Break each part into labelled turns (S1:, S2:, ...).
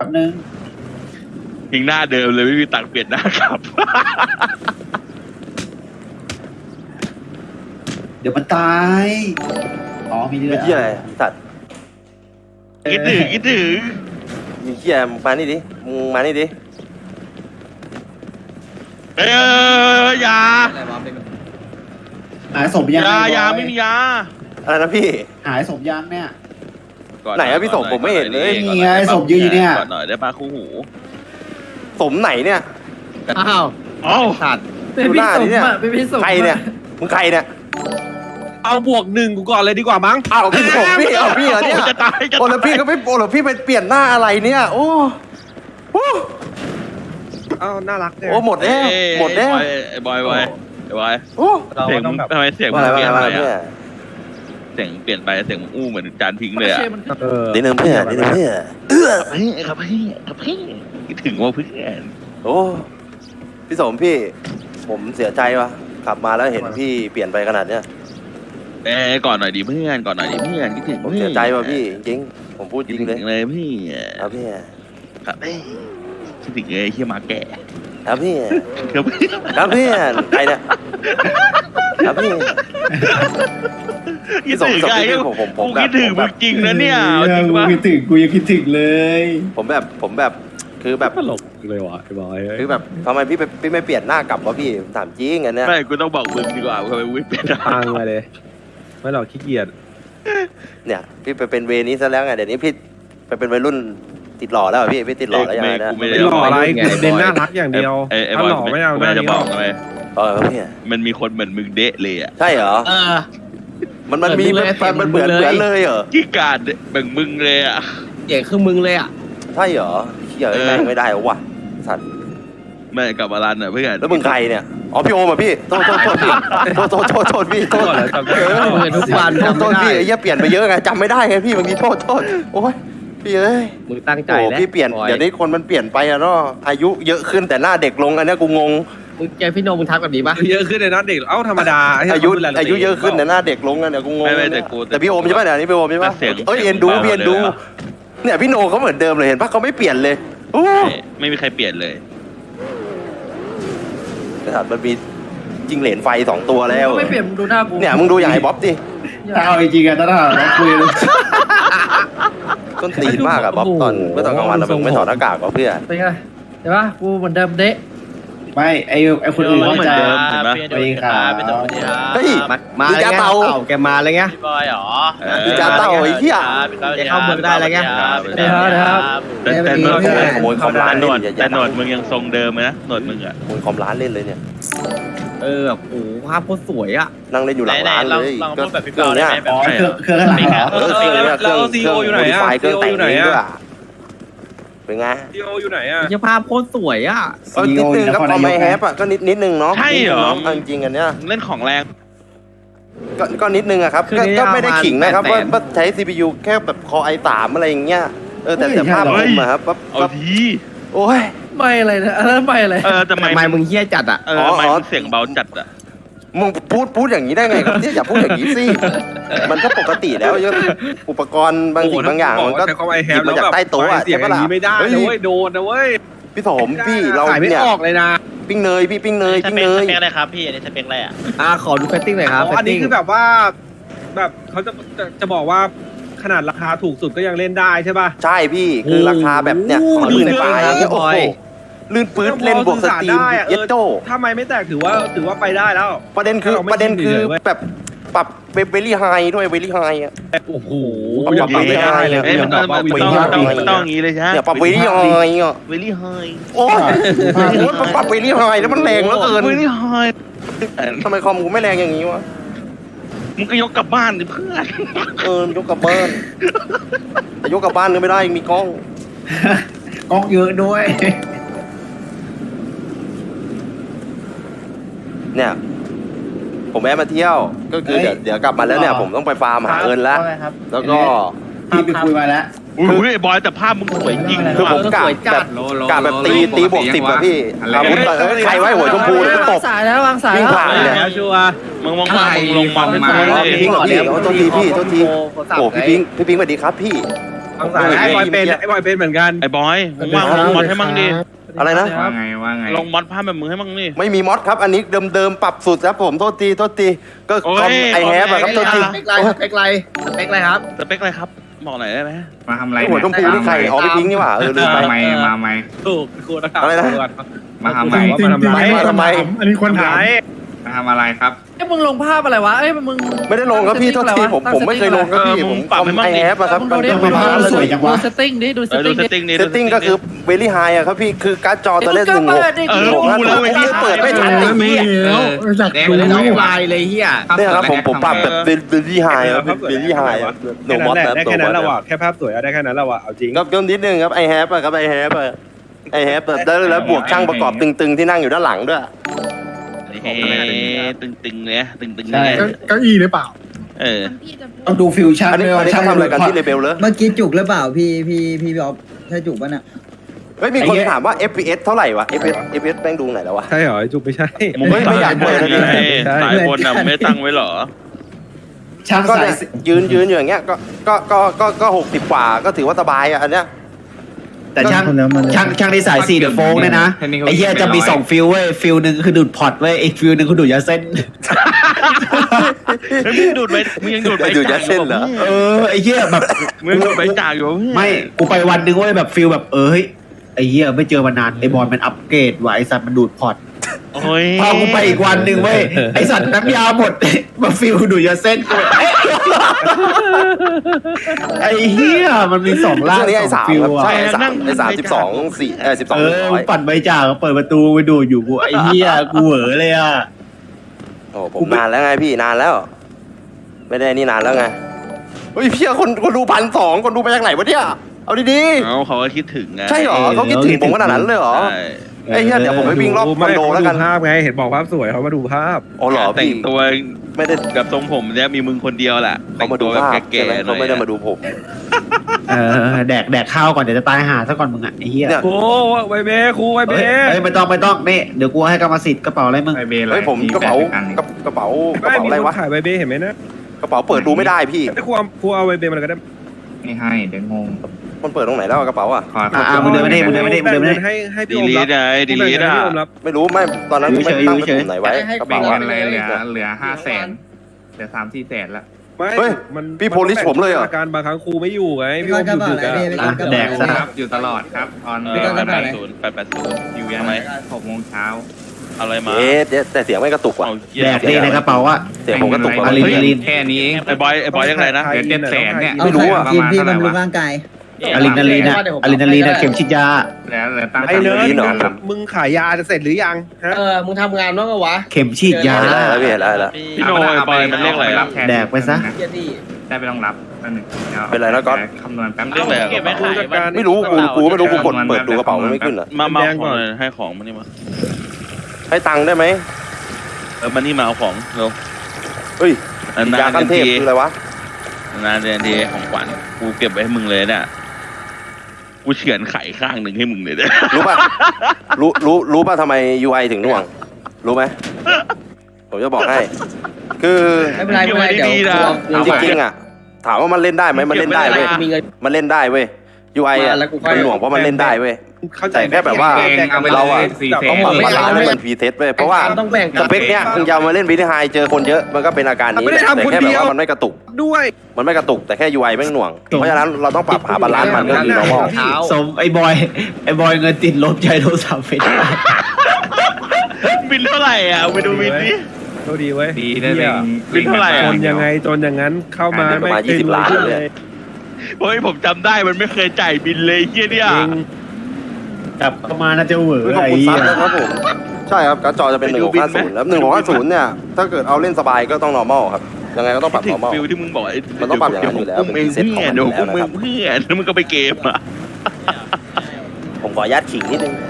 S1: ป๊บนึง
S2: ยิงหน้าเดิมเลยไม่มีตังค์เปลี่ยนหน้าครับ
S1: เดี๋ยวมันตายอ๋อมีเรื่
S3: ไม่
S1: อง
S3: เหี้ยอะไรสัตว์
S2: คิดถึง
S3: มีเหี้ยมึงมานี่ดิมึงมานี่ดิ
S2: ยา
S1: หายศพยัง
S2: ยาไม่มียา
S3: อะไรนะพี่
S1: หายศพยังเนี่ย
S3: ไหนอะพี่ส่งผมไม่เห็นเลย
S1: นี่ไงศพยืนอยู่เนี่ย
S2: ก่อนหน่อยได้ปะคู่หู
S3: สมไหนเนี่ย
S4: อ้าว
S2: เอ้า
S4: สัตว์
S3: ดูหน้าดิเนี่ย
S4: เป็นพี่สม
S3: ใครเนี่ยมึงใครเนี่ย
S5: เอาบวก1กูก่อนเลยดีกว่ามั้ง
S3: อ้าวพี่ผมพี่เอาพี่เหรอเนี่ย
S2: จะตายจะ
S3: โอ้แล้วพี่ก็ไม่โอ้แล้วพี่ไปเปลี่ยนหน้าอะไรเนี่ยโอ้โอ้
S5: เอาน่ารักเนี่ย
S3: โอ้หมดแล้วหมดแล้ว
S2: ไอ้บอย
S3: โอ้
S5: เรา
S2: เสียง
S5: ต้องแบบ
S2: ทำไมเสียง
S3: ว่า
S2: มึ
S3: อะไร
S2: งเปลี่ยน
S3: ว่า
S2: ไป
S3: อะไรเนี่ย
S2: อะเสียงเปลี่ยนไปเสียงมึงอู้เหมือนจานทิ้งเลยอะ
S5: เออ
S3: นิดนึงเพื่อนนิดนึงเพื่อน
S2: ครับพี่คิดถึงว่าเพื่อน
S3: โอ้พี่สมพี่ ผมเสียใจว่ะขับมาแล้วเห็นพี่เปลี่ยนไปขนาดเนี้ย
S2: ก่อนหน่อยดิเพื่อนคิดถึง
S3: ผมเสียใจว่ะพี่จริงผมพูดจ
S2: คิด
S3: ริง
S2: ถึง
S3: เลย
S2: เลยพี่
S3: ครับพี่
S2: ครับคิดถึงเลยเฮียมาแก่
S3: ครับพี่
S2: ครับ
S3: ครับพี่ใครเนี่ยครับพี่
S2: คิดถึงใคร
S3: ผม
S2: กูคิดถึงมึงจริงนะเนี่ยจริง
S1: กู
S2: ปะ
S1: คิดถึงกูยังคิดถึงเลย
S3: ผมแบบคือแบบ
S5: ตลกเลยว่ะไอ้บอย
S3: คือแบบทำไมพี่ไม่เปลี่ยนหน้ากลับวะพี่ถามจริงอันเนี้ย
S2: ไม่กูต้องบอกมึงดีกว่าทำไมมึงไม่เป็น
S5: พังมาเลยไม่หรอกขี้เกียจ
S3: เนี่ยพี่ไปเป็นเวนี้ซะแล้วไงเดี๋ยวนี้พี่ไปเป็นวัยรุ่นติดหล่อแล้วเหรอพี่ติดหล่อแล้วยังไงนะ
S2: กูไม่
S5: ไม่
S2: ได้
S5: หล่ออะไรเด่นน่ารักอย่างเดียว
S2: ไอ้
S5: ถ้า
S2: บอย
S5: หล่อไม่เอา
S2: กู
S5: หน้า
S2: จะ
S5: นี้
S2: บ
S5: หร
S2: อ
S5: อก ก
S2: ทำไม
S3: ครับพี่
S2: มันมีคนเหมือนมึงเดะเลยอ่ะ
S3: ใช่เหรอ
S4: เออ
S3: มันมี
S4: เหมือนมึงเลย
S3: มันเหมือนเลยเหรอ
S2: ขี้การแบ่งมึงเลยอ่ะ
S4: เจ๋งคือมึงเลยอ่ะ
S3: ใช่เหรอเหี้ยแม่งไม่ได้ว่ะสัตว์
S2: ไม่กลับมารันอ่ะเพื่อน
S3: แล้วมึงใครเนี่ยอ๋อพี่โอมอ่ะพี่โทษพี่โทษพี่โทษ
S5: ก่อนแล้วจำได้
S4: เหมือนทุกวันจำ
S3: โท
S4: ไม่
S3: ษ
S4: ได้
S3: พี่ไอ้เหี้ยเปลี่ยนไปเยอะไงจำไม่ได้ไงพี่บางทีโทษโอ้ยพี่เอ้ย
S4: มึงตั้งใจ
S3: โอ้
S4: แล้ว
S3: พี่เปลี่ยน
S4: บอ
S3: เดี๋ยวนี้คนมันเปลี่ยนไปอะเนาะอายุเยอะขึ้นแต่หน้าเด็กลงอันเนี้ยกูงง
S4: มึงเจอพี่โนมึงทักแบบนี้ปะ
S5: เยอะขึ้นเลยนะเด็กเอ้าธรรมดา
S3: อายุเยอะขึ้นแต่หน้าเด็กลงอันเนี้ยกูงง
S2: ไม่แต่กู
S3: แต่พี่โอมใช่ป่ะเนี่ยอันนี้พี่โอมใช่ป่ะ
S2: เสียง
S3: เอ้ยเอ็นดูพี่เอ็นดูเนี่ยพี่โนเขาเหมือนเดิมเลยเห็นป่ะเขาไม่เปลี่ยนเลยโอ้
S2: ไม่มีใครเปลี่ยนเลย
S3: แต่มันมีจิงเหลนไฟ2ตัวแล้ว
S4: ไม่เปลี่ยนมึงดูหน้ากู
S3: เนี่ยมึงดูอย่างไอ้บ๊อบดิ
S1: ถ้าเอาจริงๆอะถ้าเราคุยเลย
S3: ต้นตีนมากอะบ๊อบตอนเมื่อตอนกลางวันเราไม่ถอดหน้ากากวะเพื่อน
S4: เป็นไงเห็นปะกูเหมือนเดิมเดะ
S1: ไม่ไอคนอื่นเขาจะ
S2: เห็นปะ
S1: ไปขา
S3: เฮ้ย
S4: มา
S3: อี
S4: อะไร
S3: กา
S4: เงี้ย
S3: เตา
S4: แกมาอะไรเงี้ย
S6: บอยเหรอ
S3: อีกาเต่าไอ้เหี้ย
S4: แกเข้าเมืองได้อะไรเงี้ย
S6: เดี๋ยว
S2: แต่หนวด
S3: ขโมยคอมร้าน
S2: หนวด
S3: เล่น
S2: แต่หนวดมึงยังทรงเดิมไหมนะหนวดมึงอ่ะ
S3: ขโมยคอมร้านเล่นเลยเนี่ย
S4: เออแบบโอ้โหภาพโคตรสวยอ่ะ
S3: นั่งเล่นอยู่หลังร้านเลย
S6: ลองพูดแบบพี่เปาได้ไหมแบ
S1: อ๋
S6: บ
S1: อเครื่องข้างหลังเหรอ
S5: แล้วซีโออยู่ไหนอะ
S3: เครื่องแต่ง
S5: อยู่ไหน
S3: เอง
S5: อะ
S3: ด้วยเป็นไง
S5: ซีโออยู่ไหนอ่ะ
S4: เจ้าภาพโคตรสวยอ่ะ
S3: นิดนึงครับพอไม่แฮปอ่ะก็นิดนึงเนาะ
S2: ใช่เหรอ
S3: จริงๆอันเนี้ย
S2: เล่นของแรง
S3: ก็นิดนึงอะครับก็ไม่ได้ขิงนะครับว่าใช้ CPU แค่แบบคอ i3 อะไรอย่างเงี้ยแต่ภาพรวมอะครับ
S2: เอาที
S3: โอ้ย
S4: ไม่อะไรนะอันนั้นไม่อะไร
S2: ทำไม
S4: มึงเฮี้ยจัดอ่ะ
S2: ไม่มึงเสียงเบาจัดอ่ะ
S3: มึงพูดอย่างนี้ได้ไงครับอย่าพูดอย่างนี้สิมันก็ปกติแล้วอุปกรณ์บางสิ่งบางอย่างมันก็
S5: แต่เขาไอแฮ
S3: หยิบมาจากใต้โต๊ะอะ
S5: เสียง
S3: ใช่
S5: อ
S3: ปะ
S5: ย่าง
S3: ล่ะ
S5: นี้ไม่ได้นะเว้ยโดนนะเว้ย
S3: พี่สมพี่เรา
S5: ขายไม่
S3: เนี่ย
S5: ออกเลยนะ
S3: ปิ้งเนยพี่ปิ้งเนย
S6: ส
S3: ปิ้ง
S6: เปค
S3: เน
S6: ส
S3: ย
S6: เปคอะไรครับพี่อันนี้สเปคอะไรอ่ะ
S4: ขอดูเฟตติ้งหน่อยครับ
S5: อันนี้คือแบบว่า แบบเขาจะบอกว่าขนาดราคาถูกสุดก็ยังเล่นได้ใช่ป่ะ
S3: ใช่พี่คือราคาแบบเนี่ยของลื่นปลายอย่างเงี้ยโอ้โหลื่นปื๊ดเล่นบวกสตรีมเย็ดโต
S5: ถ้าไม่แตกถือว่าไปได้แล้ว
S3: ประเด็นคือแบบปรับเวลี่ไฮด้วยเวลี่ไฮอ่ะ
S5: โอ้โห
S3: เอาอย่างนี้ไม่ได้เลย
S2: มันต้องอย่างนี้เลยใช่ไหม
S3: เนี่ยปรับเวลี่ไฮอ่ะ
S2: เวลี่ไฮ
S3: โอ้ยปรับเวลี่ไฮแล้วมันแรงเหลือเกิน
S2: เวลี่ไฮ
S3: ทำไมคอมกูไม่แรงอย่างนี้วะ
S2: มึงก็ยกกลับบ้านดิเพื่อน
S3: ยกกลับบ้านแต่ยกกลับบ้านก็ไม่ได้มีกล้อง
S1: กล้องเยอะด้วย
S3: เนี่ย ผมแวะมาเที่ยวก็คือเดี๋ยวกลับมาแล้วเนี่ยผมต้องไปฟาร์มหาเงินแล้วแล้วก็
S1: พี่ไปคุยมาแล้ว
S2: อุ้ยบอยแต่ภาพมึงสวยจริง
S3: คือผมกะแบบตีบวก10อะพี่อาวุธใครไว้หัวชมพูแล้วก็ตบ
S4: สายแล้ววางสาย
S3: วิ่ง
S4: แล้ว
S3: ผ่านเลย
S5: แล้วชัวร์
S2: มึงลงมาไม่
S3: อ๋อ
S2: ได้
S3: พี่พิงค์เหรอพี่โทษทีพี่โทษทีโอ้พี่พิงค์สวัสดีครับพี่ผม
S5: สายไอ้บอยเป็น
S3: มื่กี้
S5: ไอ้บอยเป็นเหมือนกัน
S2: ไอ้บอยมึงว่างลงมอดให้มั่งดิ
S3: อะไรนะ
S4: ว่าไงว่าไง
S2: ลงมอดภาพแบบมึงให้มั่งนี่
S3: ไม่มีมอดครับ อันนี้เดิมๆปรับสุดครับผมโทษทีก็
S2: โอ้ย
S3: คอมไอแฮปอะครับโทษที
S4: สเปคไรสเปคไรสเปคไรครับ
S2: สเปคอะไรครับบอกหน่อยได้ไหม
S7: มาทำอะไร
S3: หัวชมพูนี่ใครอ๋อพี่พิงค์นี่หว่าลืมไป
S7: มาไหมมาไหม
S5: ถูกครูนะครับ
S3: อะไรนะ
S7: มาทำไม
S5: มาทำไร
S3: ทำไม
S5: อันนี้คนถาม
S7: มาทำอะไรครับ
S4: ไอ้มึงลงภาพอะไรวะไอ้มึง
S3: ไม่ได้ลงครับพี่โทษทีผมไม่เคยลงครับพี่ผมคอมไอแฮปอะครับ
S4: มึงดูดิ
S1: ทำไมภาพมันสวยจังวะ
S4: ดูเซตติ้งดิดูเซต
S2: ดู
S4: ติ้ง
S2: เซตติ้งนี่
S3: เซตติ้งก็คือเวลี่ไฮอะครับพี่คือการ์ดจอตอนแรก
S4: ก็
S3: 16
S4: เปิดดิ
S2: รู้แล้วเว้ยพี่
S3: เปิดไม่ทันไอ้เหี้ย
S7: แดง
S4: ดู
S7: เลย
S4: น้อง
S7: นะ
S4: ลายเลยเฮีย
S3: เนี่ยครับผมปรับแบบเวลี่ไฮครับเวลี่ไฮโนมอส
S5: ได้แค่นั้นแล้วอ่ะแค่ภาพสวยได้แค่นั้นแล้วอ่ะเอาจริง
S3: ก็นิดนึงครับไอแฮปอะครับไอแฮปแบบแล้วบวกช่างประกอบตึงๆที่นั่งอยู่ด้านหลังด้วย
S2: ตึงๆเนี่ยตึงๆ
S1: ใช่
S2: เนี่ย
S8: เก้าอี้หรือเปล่า
S1: ต้องดูฟิวชั่น
S3: อันนี้
S1: ด้วยว่า
S3: เขาทำอะไรกันที่เลเบลเลย
S9: เมื่อกี้จุกหรือเปล่าพี่บอบใช่จุกป่ะน่ะ
S3: เฮ้ยมีคนถามว่า FPS เท่าไหร่วะ FPS แป้งดูไหนแล้ววะ
S5: ใช่เหรอจุกไม่ใช่
S2: มึงไม่อยากเปิดเลยสายบนน่ะไม่ตั้งไว้หรอ
S1: ช่าง
S3: ก็
S1: สาย
S3: เนี่ยยืนอยู่อย่างเงี้ยก็60 กว่าก็ถือว่าสบายอ่ะอันเนี้ย
S1: แต่ช่างในสาย4เดอะโฟงเนี่ยนะไอ้เหี้ยจะมี2ฟิลเว้ยฟิลหนึ่งคือดูดพอร์ตเว้ยอีกฟิลหนึ่งคือดูดยาเส้น
S2: มึงดูดไปมึงยังดูดไป
S3: อยู่ยัดเส้นเหรอ
S1: เออไอ้เหี้ยแบบ
S2: มึงดูดไปจากอยู่
S1: ไม่กูไปวันหนึ่งเว้ยแบบฟิลแบบเฮ้ยไอ้เหี้ยไม่เจอมานานไอ้บอลมันอัปเกรดว่ะไอ้สัตว์มันดูดพอร์ต
S2: โอ้ย
S1: พอกูไปอีกวันหนึ่งเว้ยไอ้สัตว์น้ำยาหมด มาฟิลดูดยาเส้นกูเอ๊ะไอ้เหี้ยมันมี2ล่าง
S3: ช่วงนี้ไอ้
S1: 2
S3: สาม
S1: ฟิล
S3: ครับ
S1: อ่ะ
S3: ใช่ไอ้สาม12 4 12
S1: เออมึงปั่นใบจากเปิดประตูไปดูดอยู่กูไอ้เหี้ยกูเหวอเลยอ่ะ
S3: โอ้ผมนานแล้วไงพี่นานแล้ว ไม่ได้นี่นานแล้วไงเฮ้ยพี่คนดู1,200คนดูไปจากไหนวะเนี่ยเอาดี
S2: เขาก็คิดถึงไง
S3: ๆใช่เหรอเขาคิดถึงผมขนาดนั้นเลยเหรอไอ้เหี้ยเดี๋ยวผมไปวิ่งรอบคอนโดแล้วกัน
S5: ภาพไงเห็นบอกภาพสวยเขามาดูภาพ
S3: อ๋อเหรอ
S2: แต่
S3: พี่
S2: งตัว
S3: ไม่ได้
S2: กับทรงผมเนี่ยมีมึงคนเดียวแหละ
S3: เขามาดู
S2: แบบ
S3: ภาพ
S2: แก่
S3: ใช่ไหม
S2: ๆหน่
S3: เขา
S2: อย
S3: ไม่ได้มาดูผม
S1: แดกข้าวก่อนเดี๋ยวจะตายหาซะก่อนมึงอ่ะไอ้เหี้ย
S3: เนี่ย
S5: โอ้ไวเบ้ครูไวเบ้
S1: เฮ้ยไม่ต้องนี่เดี๋ยวกูให้กรรมสิทธิ์กระเป๋าอะไรมึง
S7: ไอเบย์อะไร
S3: เฮ้ยผมกระเป๋อะไรวะ
S5: ขายไวเบ้เห็นไหมนะ
S3: กระเป๋าเปิดดูไม่ได้พี่
S5: ไอ้ครูเอาไวเบ้มันก็ได้
S7: ไม่ให้เดี๋ยวงง
S3: มันเปิดตรงไหนแล้วกระเป๋าอ่ะ
S7: ขอ
S1: มึงเดินไม่ได้มึงเดินไม่ได้มึงเดินไม่ได้
S5: ให้
S2: ดี
S5: พี่อม
S2: ลี
S5: รับ
S2: ดไงดีลีดอ่ะ
S5: พี่อมรับ
S3: ไม่รู้ไม่ตอนนั้นไม่ตั้งไปปุ่มไหนไว้กระ
S7: แบ่
S3: เป๋าง
S7: กั
S3: อะ
S7: นอะไรเหลือ500,000เหลือ3-4แสนละ
S5: ไม่
S3: เฮ้ย
S5: มัน
S3: พี่โพลิสผมเลยเหรอ
S5: การบางครั้งครูไม่อยู่ไงพี่อม
S9: กระ
S5: หยุด
S9: เป๋า
S5: ดึก
S9: อะไร
S5: อะ
S9: พี่
S1: แดกซะ
S7: ครับอยู่ตลอดครับออน
S2: 880อยู่ยังไง
S7: 6 โมงเช้า
S2: อะไรมา
S3: เอ๊ะแต่เสียงไม่กระตุกว่ะ
S1: แดกดีในกระเป๋าอ่ะ
S3: เสียงผมกระตุก
S1: อะ
S3: ว่ะ
S7: แค่นี้เอง
S2: ไอ้บอยยังไงนะ
S7: เดี๋ยว700,000เนี่ย
S9: เอา
S3: ไม่รู้อะ
S9: กินพี่บำรุงร่างกาย
S1: อะดรีนาลีนอะเข็มฉีดยา
S7: เหลือตั้ง
S5: ไอ้เนิร์
S3: นี่เหรอ
S5: ดมึงขายยาจะเสร็จหรือยังฮะ
S4: มึงทำงานบ้างวะ
S1: เข็มฉีดยา
S3: ได้แล้วพี่เห็นแล้ว
S2: พี่โนยบอยมันเรียกอะไร
S7: รับแทน
S1: แดกไปซะ
S7: ได้ไปต้องรับแป๊บนึง
S3: เป็นไรแล้วก๊อต
S7: คำนวณแป๊บ
S2: เรื่องอะไร
S6: เก็บไม่ขาย
S3: ไม่รู้กูไม่รู้กูกดเปิดดูกระเป๋ามันไม่ขึ้นอ่ะ
S2: มาเอาของเลยให้ของมันนี่มา
S3: ให้ตังค์ได้ไหม
S2: มันนี่มาเอาของเร็ว
S3: เฮ้ย
S2: นาย
S3: าขั้นเทพคืออะไรวะ
S2: นานเดือนทีของขวัญกูเก็บไว้ให้มึงเลยเนี่ยกูเฉือนไข่ข้างหนึ่งให้มึงเลยเนี่ย
S3: รู้ป่ะรู้ป่ะทำไม UI ถึงหน่วง รู้ไหมผมจะบอกให้ คือ
S4: ไม่เป็นไรไม่เป็นไรเดี๋ยว
S3: จริงๆอ่ะถามว่ามันเล่นได้ไหมมันเล่นได้เว้ย
S4: มีเงิน
S3: มันเล่นได้เว้ย UI อ่ะ
S4: แล้วกูค่อย
S3: มันหน่วงเพราะมันเล่นได้เว้ย
S5: เข้าใจ
S3: แต่แค่แบบว่า เราอะ ต้องปรับบาลานซ์ให้มันพรีเทสเว้ยเพราะว่า
S4: ต้องแบ่ง
S3: สเปคเนี้ยมึงจะเอามาเล่นวิดีไฮเจอคนเยอะมันก็เป็นอาการนี้แต่แค่แบบว่ามันไม่กระตุก
S5: ด้วย
S3: มันไม่กระตุกแต่แค่ UI แม่งหน่วง เพราะฉะนั้นเราต้องปรับหาบาลานซ์มันก็คือ normal
S1: สมไอ้บอยเงินติดลบใช้โทรศัพท์เฟซ
S2: บินเท่าไหร่อ่ะไปดูบินดิ
S5: โชคดีเว้ย
S7: ดีได้เลย
S2: บินเท่าไหร่
S5: จ
S2: อะ
S5: นยังไงจนอย่างนั้นเข้ามา
S3: ประมาณ
S5: ไม่
S3: 20 ล้านเลย
S2: เฮ้ยผมจำได้มันไม่เคยจ่ายบินเลยเฮียเนี่ย
S5: จริง
S1: กลับเข้ามาน่าจะเหวอ
S3: ขอบ
S1: ไอ้
S3: คุณ
S1: เหี้
S3: ซั
S1: ย
S3: บนะครับผมใช่ครับการ์ดจอจะเป็น1650แล้ว1650เนี่ยถ้าเกิดเอาเล่นสบายก็ต้อง normal ครับยังไงก็ต้องปรับ
S2: ถึง
S3: normal
S2: ฟิลที่มึงบอก
S3: มันต้องปรับอย่างนั้นอยู่แล้ว
S2: เดี๋ยวผมอุ้มเอง
S3: เป็น preset
S2: เพื่อน
S3: ของมัน
S2: เดี๋ยวผมอุ้ม
S3: อยู่
S2: เอ
S3: แล้วนะครับ
S2: งเพื่อนแล้วมึงก็ไปเกมอ่ะ
S3: ผมขออนุญาตขิงนิดนึง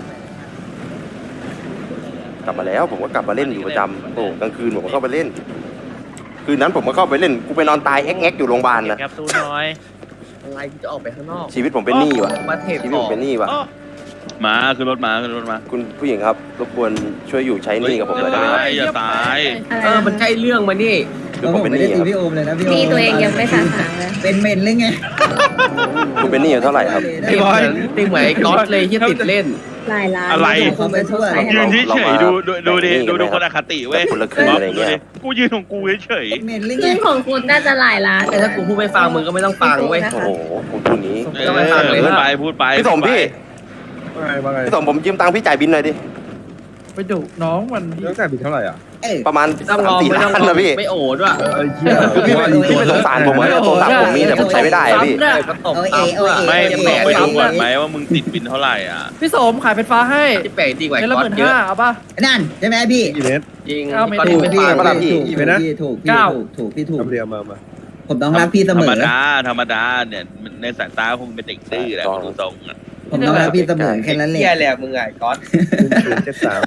S3: กลับมาแล้วผมก็กลับมาเล่นอยู่ประจำโอ้กลางคืนผมก็เข้าไปเล่น คืนนั้นผมก็เข้าไปเล่นกูไปนอนตายแอ๊กอยู่โรงพยาบาลนะ
S6: แคปซูลน้อย
S4: อะไรกูจะออกไปข้างนอก
S3: ชีวิตผมเป็นหนี้ว่ะ
S4: มาเทป
S3: ชีวิตผมเป็นหนี้ว่ะ
S2: มาขึ้นรถมาขึ้นรถมา
S3: คุณผู้หญิงครับรบกวนช่วยอยู่ใช้หนี้กับผมหน่อยได้ไหมครับ
S2: อย่าตาย
S4: มันใช่เรื่องมานี่
S3: คือ
S9: แล้ว
S3: ผ
S9: ผม ม
S3: เป็นห
S9: ไม่
S3: นี้
S9: ได้
S3: ค
S9: ตี
S3: รับ
S9: พี่โอมเลยนะพี่โอม
S8: นี่ตัวเองยังไม่สาสางเลย
S9: เป็นเมนหรือไง
S3: คุณเป็นหนี้อยู่เท่าไหร่ครับ
S4: ตีเหมือนตีเหมือนไอ้ก๊อตเลยที่ติดเล่น
S8: หลายล้าน
S2: อะไร
S9: เขาไปทั่ว
S2: ยืนเฉยๆดูดิดูคนอคติเว้ย
S3: คนละครึ่งอะไรเงี้ย
S2: กูยืนของกูเฉย
S9: เมนหรือไง
S8: ซึ่งของคุณน่าจะหลายล้าน
S4: แต่ถ้ากูพูดไม่ฟังมึงก็ไม่ต้องฟังเว้ย
S3: โอ้โหคุณพูดนี้
S2: ๆพูดไปพูดไป
S3: พี่สมพี่
S5: ว่าไง
S3: พี่สมผมยืมตังค์พี่จ่ายบินหน่อยดิ
S7: ไปดุน้องมัน
S5: ตั้งแต่บิดเท่าไหร่อ่ะ
S9: เอ้ย
S3: ประมาณ
S4: ต้องรอ
S3: 3-4
S4: ไม่
S3: ล้า
S4: ต้อง
S3: น
S4: รอ
S3: นะพี่
S4: ไม่โอดว่ะ
S3: คือพี่ไม่สงสารผมเหรอโทรศัพท์ผมมีแต่ผมใช้ไม่ได้อะพี่
S4: ก็ตบซ้ำว่ะ
S2: ไม่มึงลองไปดูก่อนไหมว่ามึงติดบินเท่าไหร่อ่ะ
S7: พี่สมขายเป็นฟ้าให้
S4: ที่แปลกดีกว่า
S7: เดือนละ
S4: ก๊อตเยอะ
S7: 15,000เอาป่ะ
S9: นั่นใช่ไหมพี่
S5: กี่เมตร
S4: จริง
S7: เอาไม่
S4: ก๊อต
S7: ถูก
S4: ไม่
S9: พี่
S4: ฟัง
S3: ปะล่ะพี่
S9: ถูก
S5: กี่เมตรนะ
S9: พี่ถูกพี่
S7: เก้า
S9: ถูกพี่ถูก
S5: ทำเรียมา
S9: ผมต้องรักพี่เส
S2: ธร
S9: ม
S2: รม
S9: อ
S2: ดาธรรมดาเนี่ยในสายตาคงเป็นเด็กดื้อแหละดูทรงอ่ะ
S9: ผมต้องรักพี่เสมอแค่นั้นแหละ
S4: เหี้ยแหละมึงไงก๊อต
S5: 073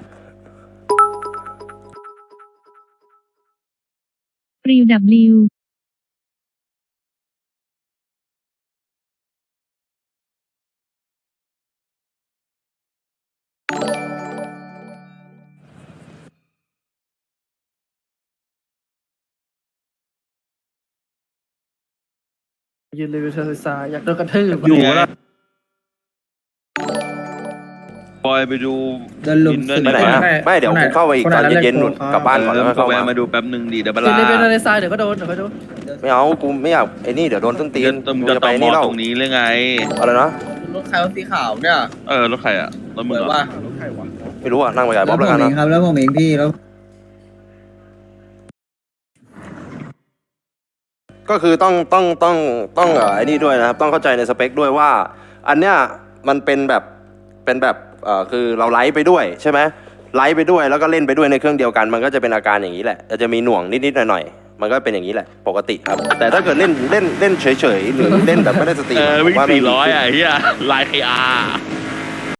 S8: ริวดับลิว
S7: ยืนรีวิวเธอศึกษาอยากโดนกระทืบ
S2: อยู่แล้วบอยไปดู
S9: โดนลุม
S2: บินด้วย
S3: ไปไหนนะไม่เดี๋ยวผมเข้าไปอีกตอนเย็นๆนู่นกลับบ้านก่อนแล้ว
S2: ก็
S3: เข้า
S2: แวะ
S3: มา
S2: มาดูแป๊บนึงดิเดี๋ยวเว
S7: ยื
S2: ลาน
S7: รีวิวในทรายเดี๋ยวก็โดนเดี๋ยวก็โดน
S3: ไม่เอากูไม่อยากไอ้นี่เดี๋ยวโดนต้นตีน
S2: มึง
S3: กู
S2: จะ
S3: จะ
S2: ต่
S3: ไป
S2: อมอ
S3: นี่เล่า
S2: ตรงนี้หรือไง
S3: อะไรนะ
S4: รถใครรถสีขาวเนี่ย
S2: รถใครอ่ะรถมึง
S4: เหมือน
S2: เหรอ
S4: ว่า
S5: รถใครวะ
S3: ไม่รู้อ่ะนั่งไปกับ
S9: แล้
S3: บ๊อ
S9: ว
S3: บ
S9: ผ
S3: แล้ว
S9: ม
S3: กัน
S9: เอ
S3: นะ
S9: งครับแล้วผมเองพี่แล้ว
S3: ก็คือต้องไอ้นี่ด้วยนะครับต้องเข้าใจในสเปคด้วยว่า อันเนี้ยมันเป็นแบบคือเราไลฟ์ไปด้วยใช่ไหมไลฟ์ไปด้วยแล้วก็เล่นไปด้วยในเครื่องเดียวกัน มันก็จะเป็นอาการอย่างนี้แหละจะมีหน่วงนิดๆหน่อยๆมันก็เป็นอย่างนี้แหละปกติครับ แต่ถ้าเกิดเล่นเฉยๆหรือเล่นแบบไม่ได้สติ
S2: วิ่ง
S3: ว่าไม่มี
S2: 400อ่ะเฮียลาย KR